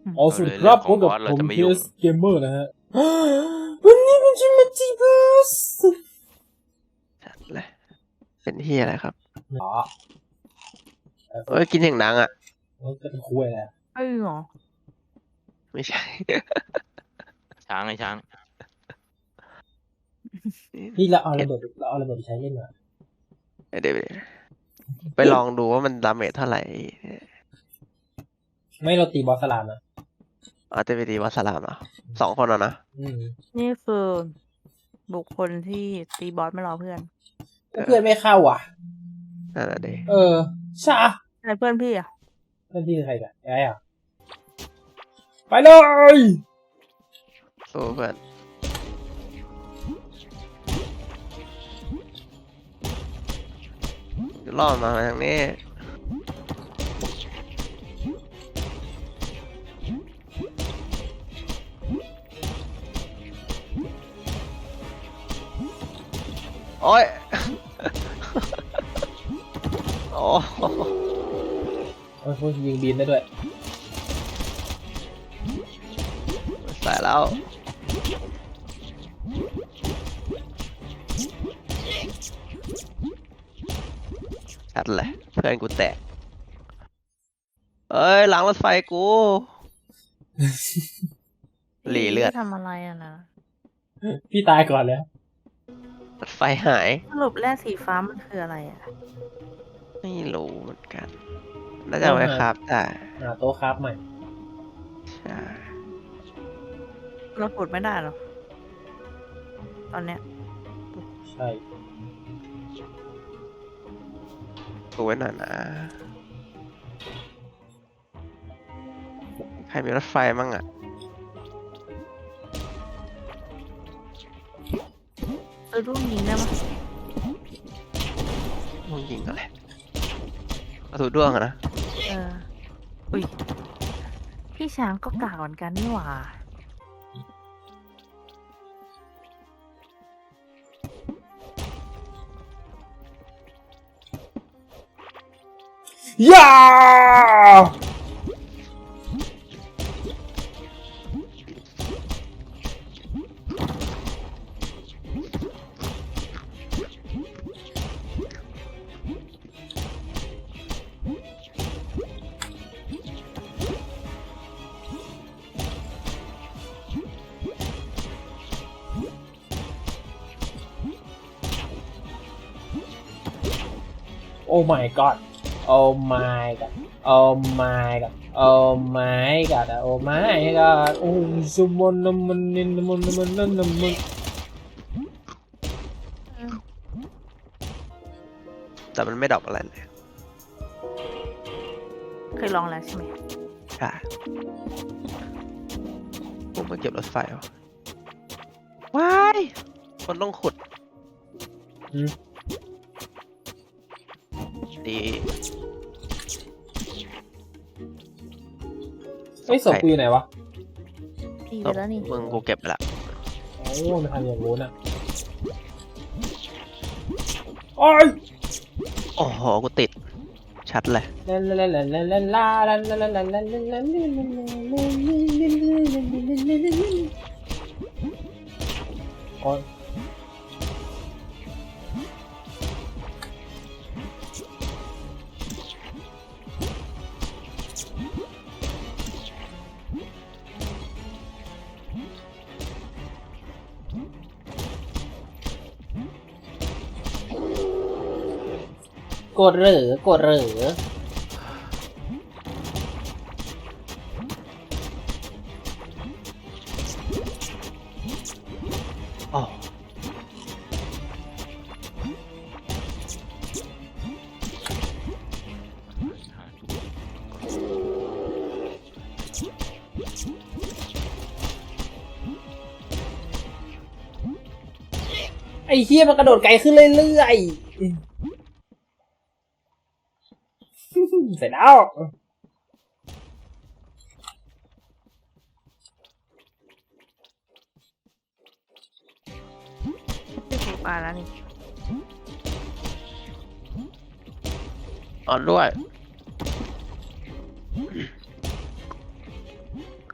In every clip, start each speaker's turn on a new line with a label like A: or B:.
A: อ๋อสวัสดีครับพบกับผมเคสเกมเมอร์นะฮะวันนี้ผมจะมาจีบส
B: เลยเป็นที่อะไรครับ
A: อ๋อ
B: เอ้ยกินอย่างดังอ่ะ
A: ก็เป็นคุยแหละ
C: เอ้ยเหรอ
B: ไม่ใช่
D: ช้างไอ้ช้าง
A: พี่เราเอาระเบิดไปใช้เล่นหน่อย
B: เดี๋ยวไปลองดูว่ามันดาเมจเท่าไหร่
A: ไม่เราตีบอสสลามนะ
B: อาจจะไปดีวัสลามเหรอ2 คนอ่ะนะ
C: นี่คือบุคคลที่ตีบอสไม่รอเพื่อน
A: เพื่อนไม่เข้าอ่ะ
B: นั่นแหละดิ
A: ใช่
C: อะไรเพื่อนพี่อ่ะ
A: เพื่อนพี่คือใครกันไอ้อ่ะไปเลย
B: สู้เพื่อนล่อมาทางนี้โอ้ย โอ้
A: พวกยิงบินได้ด้วย
B: ใส่แล้วชัดเลยเพื่อนกูแตกเอ้ยหลังรถไฟกู หลีเลือด
C: พี่ทำอะไรอ่ะนะ
A: พี่ตายก่อนแล้ว
B: รถไฟหาย
C: สรุปแร่สีฟ้ามันคืออะไรอ่ะ
B: ไม่รู้เหมือนกันน่าจะเอาไว้ครับแต่
A: หาโต๊ะครับใหม่
B: ใช่
C: เราขุดไม่ได้หรอตอนเนี้ย
A: ใช่
B: ดูไว้หน่อยนะ ใครมีรถไฟมั่งอ่ะ
C: ซื้อลูกยิงได้ปะ
B: มึงยิงอะไรกระสุนด้วงอะนะ
C: อุ้ยพี่ช้างก็กากเหมือนกันนี่หว่า
A: ย่าโอ้ my god โอ้ my god โอ้ my god โอ้ my god โอ้ my god โอ้สมนนมันนินมันนั่นมัน
B: แต่มันไม่ดรอปอะไรเลย
C: เคยลองแล้วใช่ไหม
B: ใช่ผมมาเก็บรถไฟวะว้ายคนต้องขุดดี
A: เฮ้ยศพกูอยู่ไหนวะ
C: พี่ไปแล้วนี่
B: มึงกูเก็บไปละ
A: โอ้มันทำอย่างงู้นอ่ะโอ้ย
B: โอ้โหกูติดชัดเลย
A: ลาลาลาลาลาลาลาลาลาลาลาลาโอ้ยกดเหรือ
B: อ๋อ
A: ไอ้เหี้ยมันกระโดดไกลขึ้นเรื่อยๆเสร็จแล้ว
C: พี่ถูกปลาแล้วนี่
B: อ่อนด้วย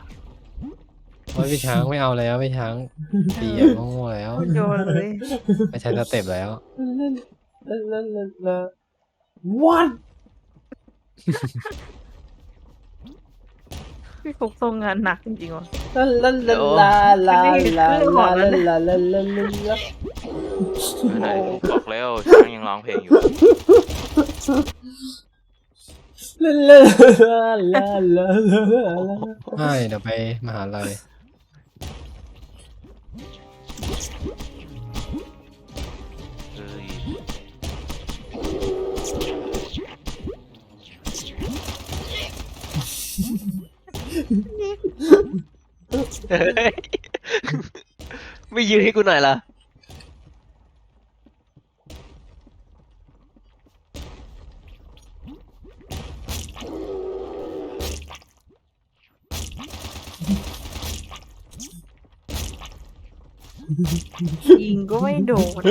E: โอ้ยพี่ช้างไม่เอาแล้วพี่ช้างตีอย่างโง่ๆแล้ว
C: โยนเลย
E: ไม่ใช่สเต็ปแล้ว
A: What
C: พี่ฟุกทรงงานหนักจริงๆว่ะ
A: ลาลาลาลาลาลาลาลาลาลาลา
D: ไหนบอกแล้วช้างยังร้องเพลงอยู่
A: ลาลาลาลาลา
E: ไม่เดี๋ยวไปมหาลัย
D: เอ้ย
B: เฮ้ยไม่ยืนให้กูหน่อยล่ะ
C: ยิงก็ไม่โดน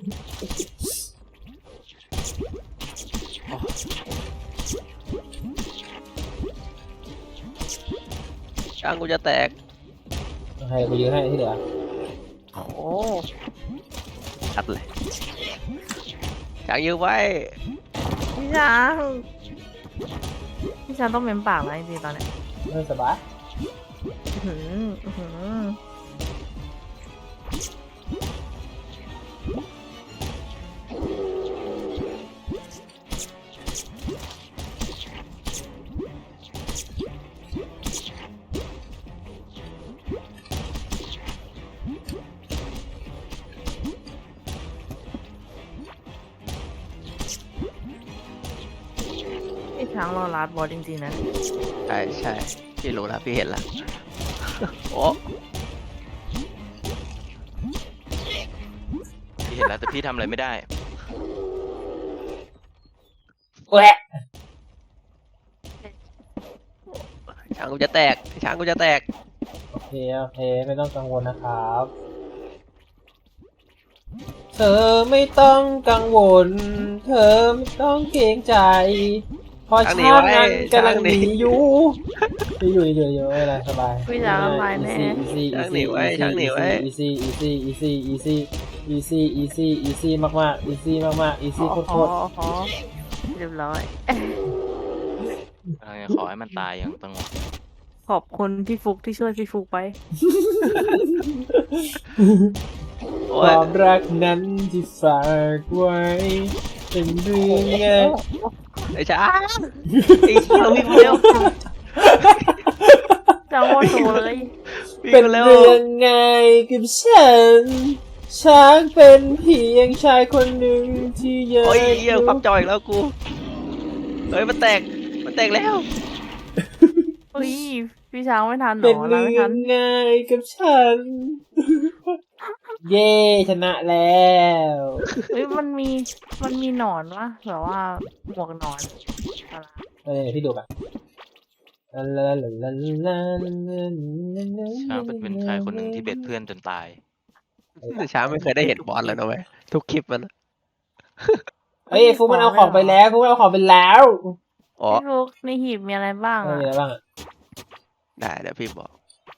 B: ช้างกูจะแตก
A: ให้กูยืนให้ที่เหลือ
C: โอ้
B: ชัดเลยช้างยืนไว้
C: พี่ช้างพี่ช้างต้องเม้มปากแล้วจริงๆตอนเนี้ย
A: ไม่สบาย
C: อื้อหืออื้อหือ พี่ช้างรอลาดบอสจริงๆนะ
B: ใช่ใช่พี่รู้แล้วพี่เห็นแล้ว โอ้
D: พี่เห็นแล้วแต่พี่ทำอะไรไม่ได้
A: แหวะ
B: ช้างกูจะแตกช้างกูจะแตก
A: โอเคโอเคไม่ต้องกังวลนะครับ เธอไม่ต้องกังวล เธอไม่ต้องเกรงใจเพอ
B: ช้างหนี
A: ชาติ
B: ไว้
A: นั้นกำลัง
B: ช้าง
A: ห
B: หนี
A: นีอยู่อยู่อะไรสบาย
C: พี่ช้างละลายแน่
B: ช้างหนีไว้ช้างหนีไว้
A: easy มากมากๆ easy มากมากๆ easy โคตร
C: ขอเรียบร้อย
D: ขอให้มันตายอย่างสงบ
C: ขอบคุณพี่ฟุกที่ช่วยพี่ฟุกไป
A: ๆ
B: โอ้
A: ค
B: ยว
A: ามรักนั้นที่ฝากไว้เป็นเรื่องไง
B: ไอ้ช้างไอ้ช้างวิ่งมาเร็ว
C: จังหวะโตเลย
B: วิ่ง
A: เป็น
B: มาเร็ว
A: เรื่องไงกับฉันช้างเป็นเพียงชายคนหนึ่งที่อยาก
B: โอ้ยเหี้ยความจอยอีกแล้วกูเฮ้ยมันแตกแล้ว
C: เฮ้ยพี่ช้างไม่ทันหร
A: เป็น
C: อ
A: เรื่
C: ไม่
A: อ
C: ทัน
A: งง่ายกับฉัน เย้ชนะแล้ว
C: เฮ้ยมันมีหนอนวะแบบว่าหมวกหนอนอะไร
A: เดี๋ยวพี่ดูกัน
D: ช้างเป็นชายคนหนึ่งที่เบ็ดเพื่อนจนตาย
B: ช้างไม่เคยได้เห็นบอสเลยนะเว้ยทุกคลิปมัน
A: เฮ้ยฟุกมันเอาของไปแล้วฟุกมันเอาของไปแล้ว
B: อ๋อ
C: พี่ฟุกในหีบมีอะไรบ้าง
A: มี
C: อะ
A: อะไรบ้างอ่ะ
B: ได้เดี๋ยวพี่บอก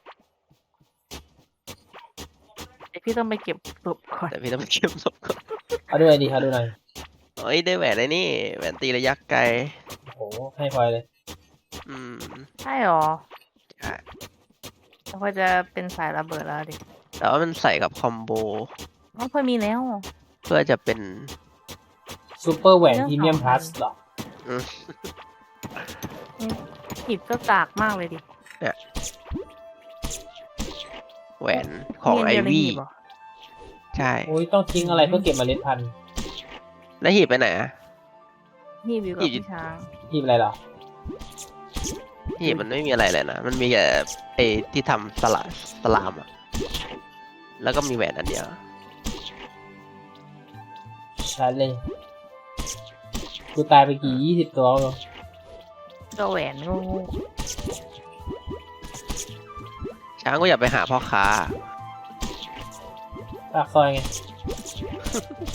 C: เดี๋ยวพี่ต้องไปเก็บศพก่อน
B: แต่พี่ต้องไปเก็บศพก่อน
A: เอาดูหน่อยดิเอาดูหน่อย
B: เฮ้ยได้แหวนไอ้นี่แหวนตีระยะไกล
A: โอ้โหให้พลอยเลย
B: อืม
C: ใช่หรอ
B: ใช่
C: แล้วก็จะเป็นสายระเบิดแล้วดิ
B: แต่ว่ามันใส่กับคอมโบ
C: อ๋อเคยมีแล้ว
B: เพื่อจะเป็น
A: ซูเปอร์แหวนพรีเมียมพลัสหรอ
C: หีบก็กากมากเลยดิ
B: แหวนของไอ
C: เรียนเดียใน
B: วี่
C: หีบเหรอ
B: ใช่
A: โอ้ยต้องทิ้งอะไรเพื่อเก็บเมล็ดพันธุ์
B: แล้วหีบไปไหนอะ
C: หีบอยู่กับ
B: หีบ
C: พี่ช้าง
A: หีบอะไรเหรอ
B: หีบมันไม่มีอะไรเลยนะมันมีแต่ไอที่ทำสลามอะแล้วก็มีแหวนอันเดียว
A: ชัดเลยกูตายไปกี่20 ตัวแล้ว
C: ก็แหวนงู
B: ช้างก็อย่าไปหาพ่อค้า
A: ปากซอยไง